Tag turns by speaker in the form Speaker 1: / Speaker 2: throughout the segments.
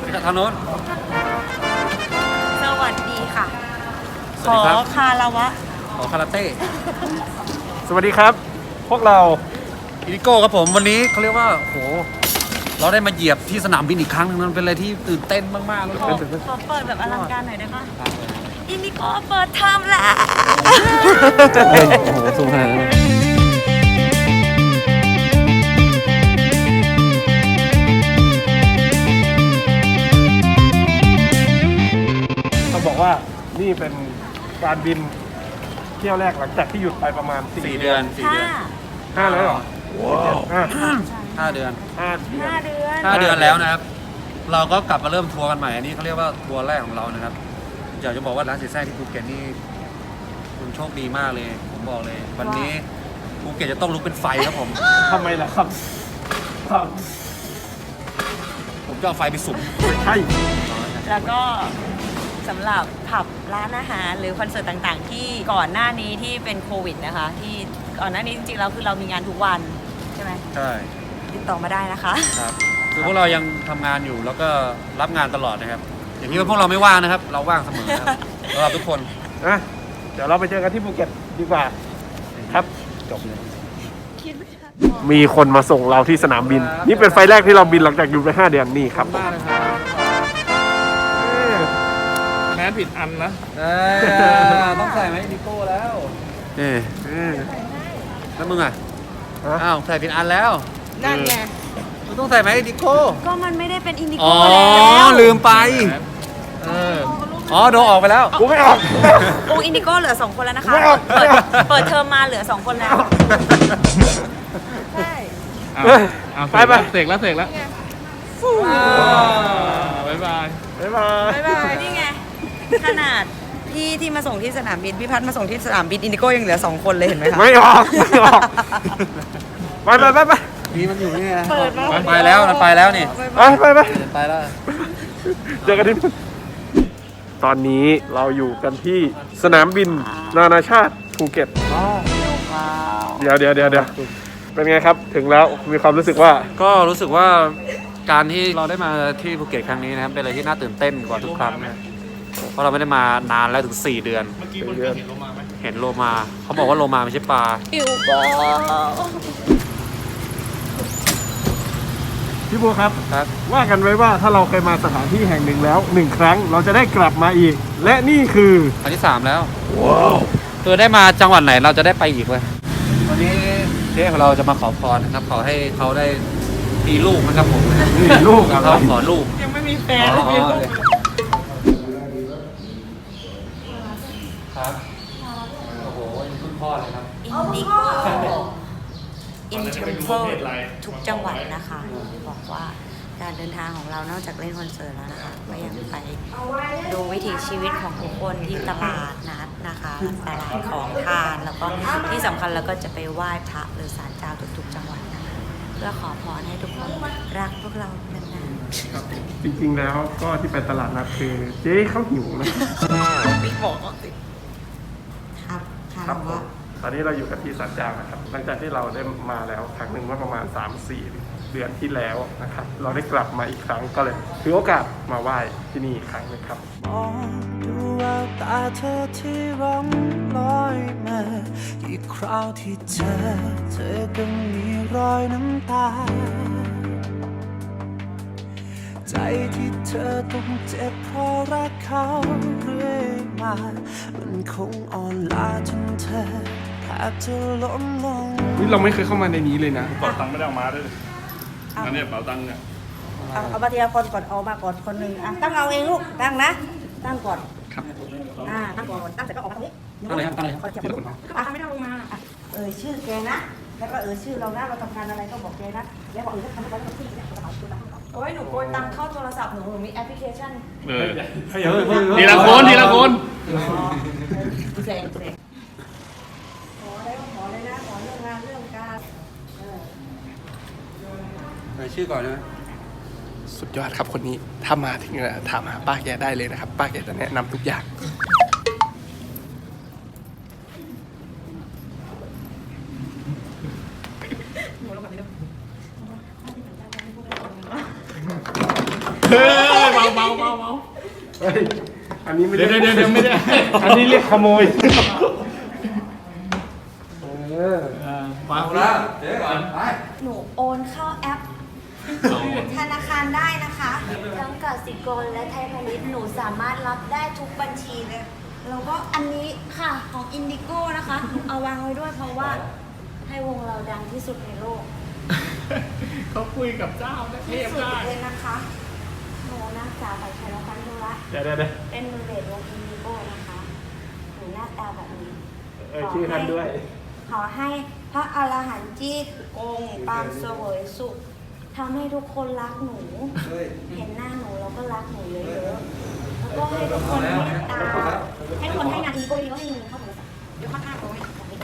Speaker 1: ทางโน้น
Speaker 2: สวัสดีค่ะ
Speaker 1: สวัสดีครับ
Speaker 2: ขอคาราวะ
Speaker 1: ขอคาราเต้
Speaker 3: สวัสดีครับ พวกเรา
Speaker 1: อินิโก้ครับผมวันนี้เขาเรียกว่าโหเราได้มาเหยียบที่สนามบินอีกครั้งนึงมันเป็นอะไรที่ตื่นเต้นมากๆแล้วก็
Speaker 2: ขอเปิดแบบอลังการหน่อยได้ปะอินดิโก้เปิดเทอมแล้ว
Speaker 1: โอ้โหสูงขนาดนั้น
Speaker 3: ต้องบอกว่านี่เป็นการบินเที่ยวแรกหลังจากที่หยุดไปประมาณ
Speaker 1: 4 เดือน
Speaker 2: ห้า
Speaker 3: 5แล้วเหรอว้าว
Speaker 1: 5 เดือน
Speaker 3: 5 เดือน
Speaker 2: 5 เดือน
Speaker 1: 5 เดือนแล้วนะครับเราก็กลับมาเริ่มทัวร์กันใหม่อันนี้เขาเรียกว่าทัวร์แรกของเรานะครับอยากจะบอกว่าร้านเสียแซ่ที่ภูเก็ตนี่คุณโชคดีมากเลยผมบอกเลย วันนี้ภูเก็ตจะต้องลุกเป็นไฟครับผม
Speaker 3: ทำไมล่ะครับครับ
Speaker 1: ผมจะเอาไฟไปสุ่ม
Speaker 3: ไม่ใช่
Speaker 2: แล้วก็สำหรับผับร้านอาหารหรือคอนเสิร์ตต่างๆ ที่ก่อนหน้านี้ที่เป็นโควิดนะคะที่ก่อนหน้านี้จริงๆแล้วคือเรามีงานทุกวันใช่ไหม
Speaker 1: ใช่
Speaker 2: ติดต่อมาได้นะคะ
Speaker 1: ครับคือพวกเรายังทำงานอยู่แล้วก็รับงานตลอดนะครับอย่างนี้ว่าพวกเราไม่ว่างนะครับ เราว่างเสมอครับสำหรับทุกคน
Speaker 3: นะเดี๋ยวเราไปเจอกันที่ภูเก็ตดีกว่าครับจบเลยมีคนมาส่งเราที่สนามบิน นี่เป็นไฟล์แรกที่เราบินหลังจากหยุดไป5 เดือนนี่ครับ
Speaker 1: มากเลยครับ
Speaker 3: แมสผิดอันนะ
Speaker 1: ต้องใส่ไหมดิโก้แล้วแล้วมึงอ่ะ
Speaker 3: ฮะ
Speaker 1: อ้าวใส่ผิดอันแล้ว
Speaker 2: นั่นไง
Speaker 1: มึงต้องใส่ไหมดิโก้
Speaker 2: ก็มันไม่ได้เป็นอินดิ
Speaker 1: อ๋
Speaker 2: โก้
Speaker 1: อ
Speaker 2: แล้ว
Speaker 1: ลืมไปอ๋อโดนออกไปแล้ว
Speaker 3: กูไม่ออก
Speaker 2: โอ้อินดิโก้เหลือ2 คนแล้วนะคะ
Speaker 3: ไม่เอา
Speaker 2: เปิดเทอมมาเหลือ2 คนแล้วใช่
Speaker 3: ไปไป
Speaker 4: เสกแล้วบ๊ายบาย
Speaker 3: บ๊ายบาย
Speaker 2: บ๊ายบายนี่ไงขนาดพี่ที่มาส่งที่สนามบินพี่พัฒน์มาส่งที่สนามบินอินดิโก้ยังเหลือ2 คนเลยเห็นไหมคะ
Speaker 3: ไม่ออกไม่ออกไปไปไปไป
Speaker 1: นี่มันอยู่นี่ไง
Speaker 2: เปิดมา
Speaker 1: ไปแล้วมันไปแล้วนี่
Speaker 3: ไปไปไป
Speaker 1: ไปแล้ว
Speaker 3: เจอกันที่นู่นตอนนี้เราอยู่กันที่สนามบินนานาชาติภูเก็ตเดี๋ยวเป็นไงครับถึงแล้วมีความรู้สึกว่า
Speaker 1: ก็รู้สึกว่าการที่เราได้มาที่ภูเก็ตครั้งนี้นะครับเป็นอะไรที่น่าตื่นเต้นกว่าทุกครั้งนะเพราะเราไม่ได้มานานแล้วถึง4 เดือน เห็นโลมาเขาบอกว่าโลมาไม่ใช่ปลา
Speaker 2: อิวโก้
Speaker 3: พี่บัวครับ
Speaker 1: ครับ
Speaker 3: ว่ากันไว้ว่าถ้าเราเคยมาสถานที่แห่งหนึ่งแล้ว1 ครั้งเราจะได้กลับมาอีก และนี่คือ
Speaker 1: ครั้งที่ 3 แล้วคือได้มาจังหวัดไหนเราจะได้ไปอีกเลยวันนี้เจ๊ของเราจะมาขอพรนะครับขอให้เขาได้มีลูกนะครับผม
Speaker 3: นี่ลูก
Speaker 1: เขาขอลูก
Speaker 2: ยังไม่มีแฟน
Speaker 1: อ๋อครับโอ้โหคุณพ่อเลยครับ
Speaker 2: อินดิโก้อินเทอร์โพทุกจังหวัดนะคะ บอกว่าการเดินทางของเรานอกจากเล่นคอนเสิร์ตแล้วนะคะก็ยังไปดูวิถีชีวิตของทุกคนที่ตลาดนัดนะคะตลาดของทานแล้วก็ที่สำคัญเราก็จะไปไหว้พระหรือศาลเจ้าทุกๆจังหวัดนะคะเพื่อขอพรให้ทุกคนรักพวกเรานานๆ
Speaker 3: จริงๆแล้วก็ที่ไปตลาดนัดคือเจ๊เขาหิวนะ
Speaker 2: บิ๊กบอกสิครับค่ะ
Speaker 3: ครับผ
Speaker 2: ว่าม
Speaker 3: ตอนนี้เราอยู่กันที่ศาลเจ้านะครับหลังจากที่เราได้มาแล้วครั้งหนึ่งเมื่อประมาณ 3-4 เดือนที่แล้วนะครับเราได้กลับมาอีกครั้งก็เลยถือโอกาสมาไหว้ที่นี่อีกครั้งหนึงครับ
Speaker 5: มองดูแววตาเธอที่ร้องลอยมาอีกคราวที่เธอก็มีรอยน้ำตา ใจที่เธอต้องเจ็บเพราะรักเขาเรื่อยมามันคงอ่อนล้าจนเธอแทบจะล้มลง
Speaker 3: นี่เราไม่เคยเข้ามาในนี้เลยนะ
Speaker 4: เป๋าตังค์ไม่ได้เอามาด้วยอันนี้เป๋าตังค์เนี่ย
Speaker 6: เอามาทีละคนก่อนเอามาก่อนคนหนึ่งตั้งเอาเองลูกตั้งนะ ตั้งก่อนครับตั้งก่อนตั้งเสร็จก็ออกมาตรงนี้
Speaker 1: ตั้งเลยครับตั้งเลยครับ
Speaker 6: ทีละคนไม่ต้องลงมาชื่อแกนะแล้วก็ชื่อเรานะเราทำงานอะไรก็บอกแกนะแล้วบอกถ้าทำอะไรก็ที่กระเป๋าตัวตั้งก่อน
Speaker 2: โอ้ยหนูโกยตังเข้าโทรศัพท์หนูมีแอปพลิเคชัน
Speaker 4: ทีละคนทีละคน
Speaker 6: แสงขอเลยนะขอเรื่องงานเรื่องการ
Speaker 1: ชื่อก่อนนะ
Speaker 7: สุดยอดครับคนนี้ถ้ามาถึงถามหาป้าแกได้เลยนะครับ ป้าแกจะแนะนำทุกอย่าง
Speaker 4: เฮ้ยเป๋า
Speaker 3: เฮ้ยอันนี้ไม่
Speaker 4: เดี๋
Speaker 3: ได้
Speaker 4: ยวไม่ได้
Speaker 3: อันนี้เรียกขโมยเออ
Speaker 1: มาแล้วเดี๋ยวก่อนไป
Speaker 2: หนูโอนเข้าแอป ธนาคารได้นะคะทั้งกสิกรและไทยพาณิชย์หนูสามารถรับได้ทุกบัญชีเลย แล้วก็อันนี้ค่ะของอินดิโก้นะคะหนูเอาวางไว้ด้วยเพราะว่าให้วงเราดังที่สุดในโลก
Speaker 4: เขาคุยกับเจ้าเท
Speaker 2: ที่
Speaker 4: พ
Speaker 2: สุด
Speaker 4: ได้
Speaker 2: เลยนะคะหนูนักศึกษาฝ่ายชายและพันธุระ
Speaker 3: เดี๋ยว
Speaker 2: เป็นมือเบสวงอินดิโก้นะคะหนูหน้าตาแบบนี้
Speaker 3: ชื่อท่านด้วย
Speaker 2: ขอให้พระอรหันต์จี้กงปางเสวยสุขทำให้ทุกคนรักหนู เห็นหน้าหนูแล้วก็รักหนูเยอะๆแล้วก็ให้ทุกคนเมตตาให้ทุกคนให้งานอินโก้ดีก็ให้เงินเข้าโทรศัพท์เดี๋ยวข้างๆเลยแบบนี้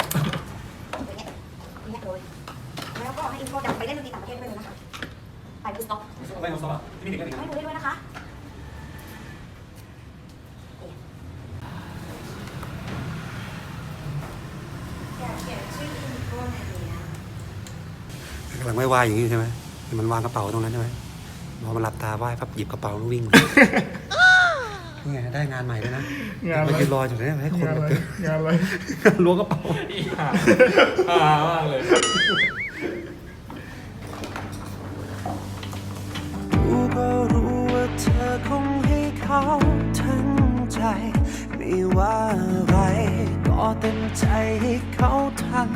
Speaker 2: เนี่ยเลยแล้วก็ให้อินโก้ดังไปเล่นดนตรีต่างประเทศด้วยนะคะไปบูสต็อก
Speaker 1: ไปของซอฟที่มีเด็กกันอีก
Speaker 2: ให้ดูได้ด้วยนะคะอยากเขียนชื่ออินโก้ในนี้นะ
Speaker 8: กำลังไหว้ๆอย่างนี้ใช่ไหมมันวางกระเป๋าตรงนั้นใช่ไหมพอมันหลับตาไหว้ปั๊บหยิบกระเป๋าแล้ววิ่ง นี่ไงได้งานใหม่ด้วยนะ
Speaker 3: งานอะไร
Speaker 8: ไปยืนรออยู่เนี่ยให้คนมาเจอง
Speaker 3: านอะไร
Speaker 8: ล้วงกระเป๋า
Speaker 3: มากเลย
Speaker 5: รู้ก็รู้ว่าเธอคงให้เขาทั้งใจ ไม่ว่าอะไรก็เต็มใจให้เขาทำ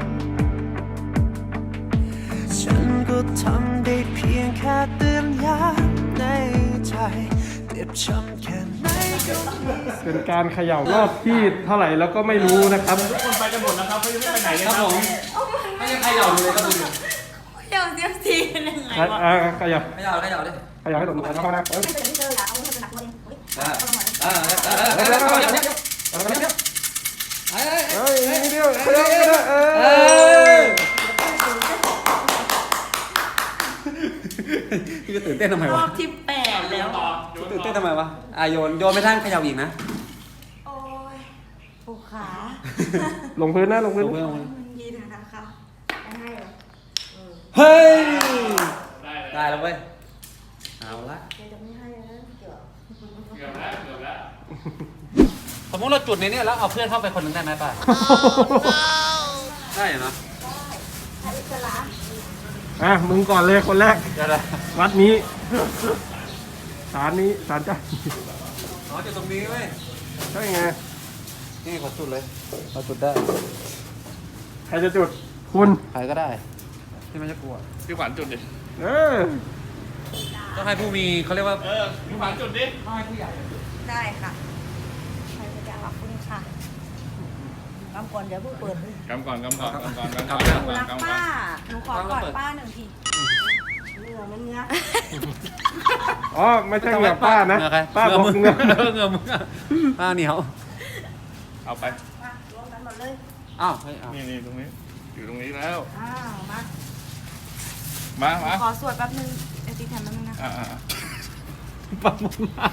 Speaker 5: ฉันก็ทำได้เพียงแค่เตือนย้ำในใจเจ็บช้ำแค่ไหนก็ไม่
Speaker 3: เป็นการเขย่ารอบที่เท่าไหร่แล้วก็ไม่รู้นะครับ
Speaker 4: ทุกคนไปกันหมดแล้วครับเขายังไม่ไปไหนเลย
Speaker 1: ครับผมไม่ยังใครเหยาดูเลยครับดู
Speaker 2: เดี๋ยวเสียทีกันยังไงวะ
Speaker 3: ขยับ
Speaker 1: ใครเหยาดิ
Speaker 3: ขยับให้ตรงเข้านะเออ
Speaker 2: ไม่เป็นที่เจอละเอาเงินเป็นหลักตัวเองเฮ้ย
Speaker 1: เฮ้ย
Speaker 3: เฮ้ยนิดเดียวขยับก็ได้
Speaker 1: พี่จะตื่นเต้นทำไม
Speaker 2: ร
Speaker 1: วะ
Speaker 2: อบที่8แล้ว
Speaker 1: ตื่นเต้นทำไมวะโยนไม่ทันเขย่าอีกนะ
Speaker 2: โอ้ยปวดขา
Speaker 3: ลงพื้นนะลงพื้น
Speaker 2: ดีนะคะได้เหรอ
Speaker 1: เฮ้ยได้แล้วเว้ยเอาละ
Speaker 2: เดี๋ยวจะไม่ให้แล้วเดี๋ยว
Speaker 4: เกือบแล้ว
Speaker 1: สมมติเราจุดในนี้แล้วเอาเพื่อนเข้าไปคนหนึ่งได้ไหมป่ะได้เหรอ
Speaker 2: ให้อิสระ
Speaker 3: มึงก่อนเลยคนแรก
Speaker 1: เดี๋ยวนะ
Speaker 3: วัดนี้ศาลนี้ศาลเจ้า
Speaker 1: อ๋อจุดตรงนี้เว้ย
Speaker 3: ใช่ไง
Speaker 1: นี่ขอจุดเลยเราจุดได้
Speaker 3: ใครจะจุดคุณ
Speaker 1: ใครก็ได้ที่ไม่จะกลัว
Speaker 4: พี่ขวัญจุดดิ
Speaker 3: เออ
Speaker 1: ต้องให้ผู้มีเขาเรียกว่า
Speaker 4: พี่ขวัญจุดดิ
Speaker 2: ได้ค่ะใครจะขอบคุณค่ะกำก่อนเดี๋ยวเพิ่งเปิด
Speaker 4: กำก่อน
Speaker 2: หนูรักป้าหนูขอกอดป้า1 ทีเหงื่อมันเงื้อ
Speaker 3: อ๋อไม่ใช่เหงื่อป้านะ
Speaker 1: เหงื่อใคร
Speaker 3: ป้าบอก
Speaker 1: เห
Speaker 3: เหงื่อ
Speaker 1: เหงื่อมึงอะป้าเหนียว
Speaker 4: เอาไป
Speaker 2: มารวมกันหมดเลย
Speaker 1: อ้าวเฮ้ยเอา
Speaker 4: นี่ตรงนี้ อยู่ตรงนี้แล้ว
Speaker 2: อ้าวมา
Speaker 4: มา
Speaker 2: ขอสวดแป๊บนึงไอซีแถมแป๊บนึงนะ
Speaker 1: ป้ามึงมาก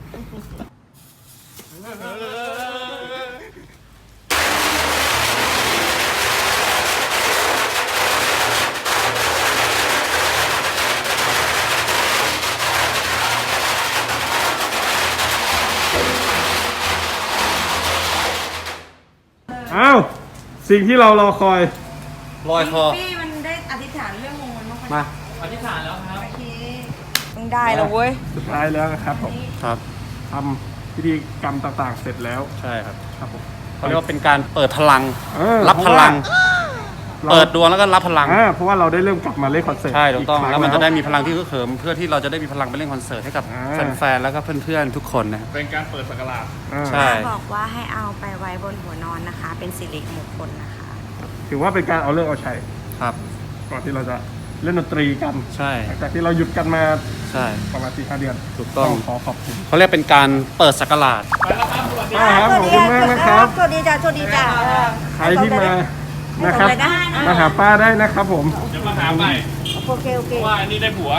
Speaker 3: อ้าวสิ่งที่เรารอคอย
Speaker 1: ลอยคอ
Speaker 2: พี่มันได้อธิษฐานเรื่องมงคลมาก
Speaker 1: มา
Speaker 2: โอเคมึงได้แล้วเว้ย
Speaker 3: สุดท้ายแล้วนะครับผม
Speaker 1: ครับ
Speaker 3: ทำพิธีกรรมต่างๆ เสร็จแล้ว
Speaker 1: ใช่ครับ
Speaker 3: ครับผม
Speaker 1: เขาเรียกว่าเป็นการเปิดพลัง
Speaker 3: เ
Speaker 1: รับพลัง
Speaker 3: เรา
Speaker 1: เปิดดวงแล้วก็รับพลัง
Speaker 3: เพราะว่าเราได้เริ่มกลับมาเล่นคอนเสิร์ต
Speaker 1: ใช่ถูกต้อง
Speaker 3: ครั้
Speaker 1: แล้วมันจะได้มีพลังที่ฮึกเหิมเพื่อที่เราจะได้มีพลังไปเล่นคอนเสิร์ตให้กับ
Speaker 3: อ่า
Speaker 1: แฟนๆแล้วก็เพื่อนๆทุกคนนะครับ
Speaker 4: เป็นการเปิดสักราช
Speaker 1: ใช่
Speaker 2: บอกว่าให้เอาไปไว้บนหัวนอนนะคะ เป็นสิริมงคลนะคะ
Speaker 3: ถือว่าเป็นการเอาเลิกเอาชัย
Speaker 1: ครับ
Speaker 3: ก่อนที่เราจะเล่นดนตรีกัน
Speaker 1: ใช่
Speaker 3: หลังจากที่เราหยุดกันมา
Speaker 1: ใช่
Speaker 3: ประมาณ4-5 เดือน
Speaker 1: ถูกต้อง
Speaker 3: ขอขอบคุณ
Speaker 1: เขาเรียกเป็นการเปิดศักราช
Speaker 3: ครับขอบคุณมากนะครับ
Speaker 2: สวัสดีจ้าสวัสดีจ้า
Speaker 3: ใครที่มานะครับ
Speaker 2: ส่งไปได้นะ
Speaker 3: มาหาป้าได้นะครับผม
Speaker 4: เดี๋ยวมาหาใหม่
Speaker 2: โอเคโอเค
Speaker 4: เพราะว่าอันนี้ได้ผัว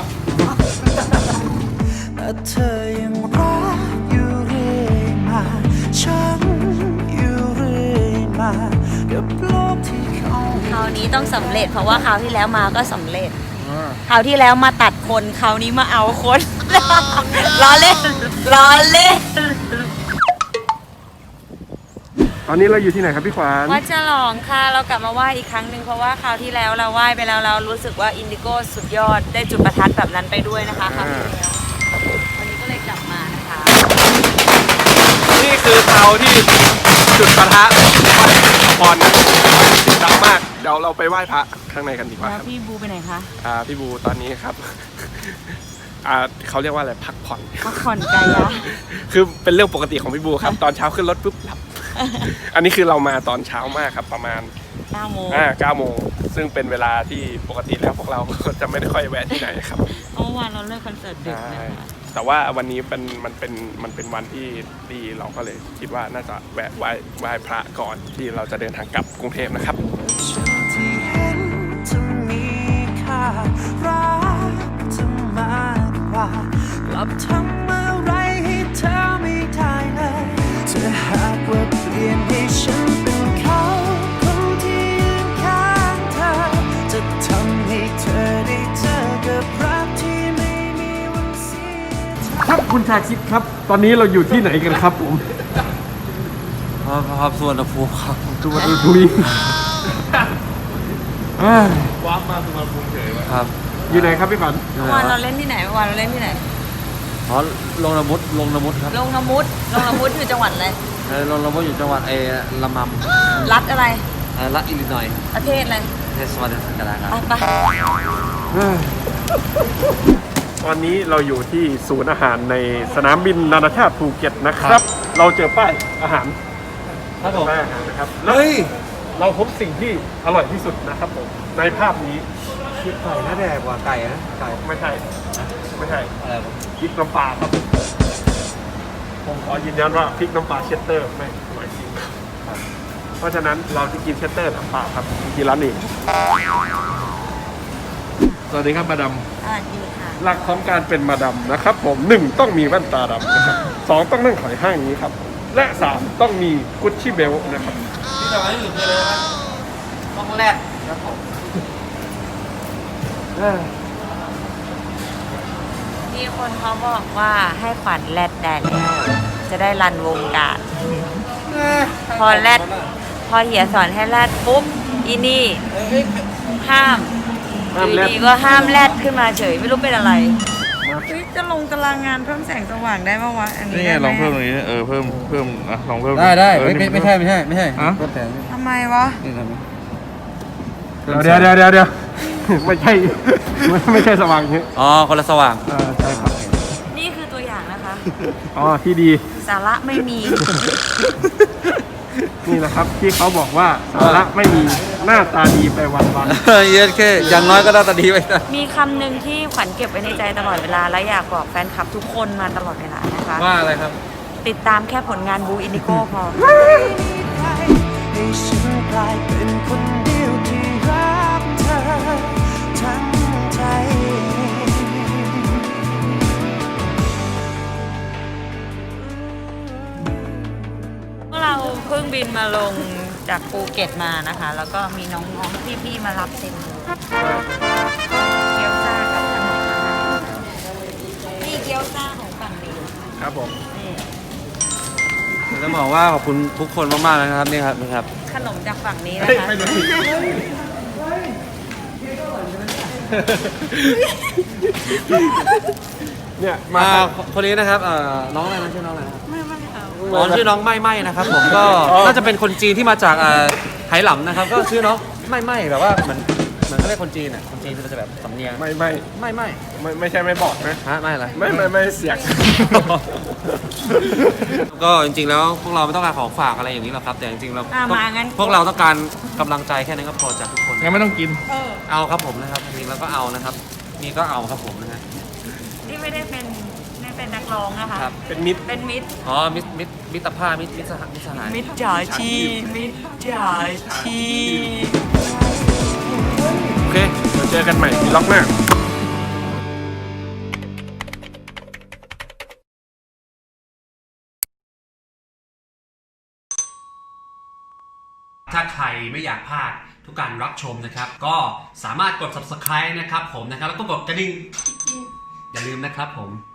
Speaker 5: แต่เธอยังรักอยู่เรื่อยมาฉันอยู่เรื่อยมากับโลกที่เขา
Speaker 2: คราวนี้ต้องสำเร็จเพราะว่าคราวที่แล้วมาก็สำเร็จ คราวที่แล้วมาตัดคนคราวนี้มาเอาคนล้อเล่นล้อเล่น
Speaker 3: ตอนนี้เราอยู่ที่ไหนครับพี่ขวัญ
Speaker 2: วัดฉลองค่ะเรากลับมาไหว้อีกครั้งหนึ่งเพราะว่าคราวที่แล้วเราไหว้ไปแล้วเรารู้สึกว่าอินดิโก้สุดยอดได้จุดประทัดแบบนั้นไปด้วยนะคะคราวที่แล้ววันนี้ก็เลยกลับมานะคะ
Speaker 3: นี่คือเตาที่จุดประทัดพรนะติดดังมากเดี๋ยวเราไปไหว้พระข้างในกันดีกว่า
Speaker 2: แล้
Speaker 3: คว รับ
Speaker 2: พี่บูไปไหนคะ
Speaker 3: พี่บูตอนนี้ครับ เขาเรียกว่าอะไรพักผ่อน
Speaker 2: พักผ่อนกายะ
Speaker 3: คือเป็นเรื่องปกติของพี่บูครับ ตอนเช้าขึ้นรถปุ๊บหลับ อันนี้คือเรามาตอนเช้ามากครับประมาณ
Speaker 2: 9 โมง
Speaker 3: 9 โมงซึ่งเป็นเวลาที่ปกติแล้วพวกเราก็จะไม่ได้ค่อยแวะที่ไหนครับ
Speaker 2: เมื่อวานเราเลิกคอนเสิร์ตดึกนะคะ
Speaker 3: แต่ว่าวันนี้มันเป็นวันที่ดีเราก็เลยคิดว่าน่าจะแวะไหว้พระก่อนที่เราจะเดินทางกลับกรุงเทพนะครับ
Speaker 5: ที่เห็นจะมีค่ารักจะมากกว่ากลับทำอะไรให้เธอไม่ได้เลยถ้าหากว่าเปลี่ยนให้ฉันเป็นเขาคนที่ยืนข้างเธอจะทำให้เธอได้เจอกับรักที่ไม่มีวันเสียใจ
Speaker 3: ครับคุณชาคิดครับ ตอนนี้เราอยู่ที่ไหนกันครับผม
Speaker 1: ครับส่วนอภูมิครับ
Speaker 3: จุฬาดุย
Speaker 4: ว้ามาสุวรรณภูมิเฉยว่ะ
Speaker 1: ครับ
Speaker 3: อยู่ไหนครับพี่ฝัน
Speaker 2: เมื่อวานเราเล่นที่ไหนเมื่อวานเราเล่นที่ไหน
Speaker 1: อ๋อลงละมุดครับ
Speaker 2: ลงละมุดอยู่จังหวัดอะไร
Speaker 1: ลงละมุดอยู่จังหวัดละมัม
Speaker 2: รัฐอะไร
Speaker 1: รัฐอิลลินอยส์
Speaker 2: ประเทศอะไร
Speaker 1: เทศบาลสังกัดครับ
Speaker 2: ไป
Speaker 3: ตอนนี้เราอยู่ที่ศูนย์อาหารในสนามบินนานาชาติภูเก็ตนะครับ เราเจอป้ายอาหาร
Speaker 1: ครับผม
Speaker 3: ป้ายอาหารนะครับแล้วเราพบสิ่งที่อร่อยที่สุดนะครับผมในภาพนี้
Speaker 8: คิดไก่น่าแดกกว่าไก่นะไก่
Speaker 3: ไม่ใช่
Speaker 1: อะไรครับ
Speaker 3: พริกน้ำปลาครับผมขอยืนยันว่าพริกน้ำปลาเชสเตอร์ไม่อร่อยจริงเพราะฉะนั้นเราจะกินเชสเตอร์น้ำปลาครับที่ร้านนี้
Speaker 4: สวัสดีครับมาดาม
Speaker 2: ดีค่ะ
Speaker 3: หลักของการเป็นมาดามนะครับผม1ต้องมีแว่นตาดำนะครับ2ต้องนั่งถอยห้างอย่างนี้ครับและ3ต้องมีกุชชี่เบลนะครับ
Speaker 1: ที่เราให้อยู่คืออะไรครับห้องแรกครับผม
Speaker 2: มีคนเขาบอกว่าให้ขวัญแรดได้แล้วจะได้รันวงการพอเหียสอนให้แรดปุ๊บอีนี่ห้ามอยู่ดีก็ห้ามแรดขึ้นมาเฉยไม่รู้เป็นอะไรจะลงตารางงานเพิ่มแสงสว่างได้ไหมวะอันนี้
Speaker 4: นี่ไงลองเพิ่มตรงนี้เพิ่มอ่ะลองเพิ่ม
Speaker 1: ได้
Speaker 4: เออนี่
Speaker 1: ไม่ใช่
Speaker 4: ฮะ
Speaker 1: เพิ่มแต่
Speaker 2: ทำไมวะ
Speaker 1: นี่ครับ
Speaker 3: เดี๋ยวไม่ใช่ไม่ใช่สว่างอย่างนี้
Speaker 1: อ๋อคนละสว่าง
Speaker 3: ใช่ครับ
Speaker 2: นี่คือตัวอย่างนะคะ
Speaker 3: อ๋อที่ดี
Speaker 2: สาระไม่มี
Speaker 3: นี่นะครับที่เขาบอกว่าสาระไม่มีหน้าตาดีไปวัน
Speaker 1: เย็นแค่อย่างน้อยก็ได้ตาดีไปนะ
Speaker 2: มีคำหนึ่งที่ขวัญเก็บไว้ในใจตลอดเวลาและอยากบอกแฟนคลับทุกคนมาตลอดเวลานะคะ
Speaker 1: ว่าอะไรครับ
Speaker 2: ติดตามแค่ผลงานบูอินดิโก้พอ
Speaker 5: ให้ฉันกลายเป็นคนเดียวที่รักเธอทั้งใจ
Speaker 2: พวกเราเพิ่งบินมาลงจากภูเก็ตมานะคะ แล้วก็มีน้องๆพี่ๆมารับเต็มเลยเกี๊ยวซ่ากับขนมนะคะนี่เกี๊ยวซ่าของฝั่งนี้
Speaker 3: ครับผม
Speaker 2: นี่
Speaker 1: จะบอกว่าขอบคุณทุกคนมากๆนะครับนี่ครับ
Speaker 2: ขนมจากฝั่งนี้นะคะ
Speaker 3: เนี่ย
Speaker 1: มาคนนี้นะครับน้องอะไรนะชื่อน้องอะไรนะครับ
Speaker 2: ไม่เอา
Speaker 1: อ๋อชื่อน้องไม่นะครับผมก็น่าจะเป็นคนจีนที่มาจากไหหลำนะครับ ก็ชื่อน้องไม่แบบว่าเหมือนเขาเรียกคนจีนอ่ะคนจีนมันจะแบบสำเนียงไม่
Speaker 3: ใช่ไม่บอกนะ
Speaker 1: ฮะไม่อะไร
Speaker 3: ไม่เสียง
Speaker 1: ก็จริงๆแล้วพวกเราไม่ต้องการของฝากอะไรอย่างนี้หรอกครับแต่จริงๆเรา
Speaker 2: มางั้น
Speaker 1: พวกเราต้องการกำลังใจแค่นั้นก็พอจากทุกคน
Speaker 4: งั้นไม่ต้องกิน
Speaker 1: เอาครับผมนะครับจริงๆแล้วก็เอานะครับนี่ก็เอาครับผมนะฮะ
Speaker 2: ที่ไม่ได้เป็นนักร้องนะคะ
Speaker 1: ครับ
Speaker 3: เป็นมิตร
Speaker 2: เป็นมิตร
Speaker 1: อ๋อมิตรภาพมิตรสหาย
Speaker 2: มิตรจ่าชีมิตรจ่าชี
Speaker 3: โอเคเดี๋ยวเจอกันใหม่ที่ล็อกหน้า
Speaker 9: ถ้าใครไม่อยากพลาดทุกการรับชมนะครับ ก็สามารถกด subscribe นะครับผมนะครับแล้วก็กดกระดิ่งอย่าลืมนะครับผม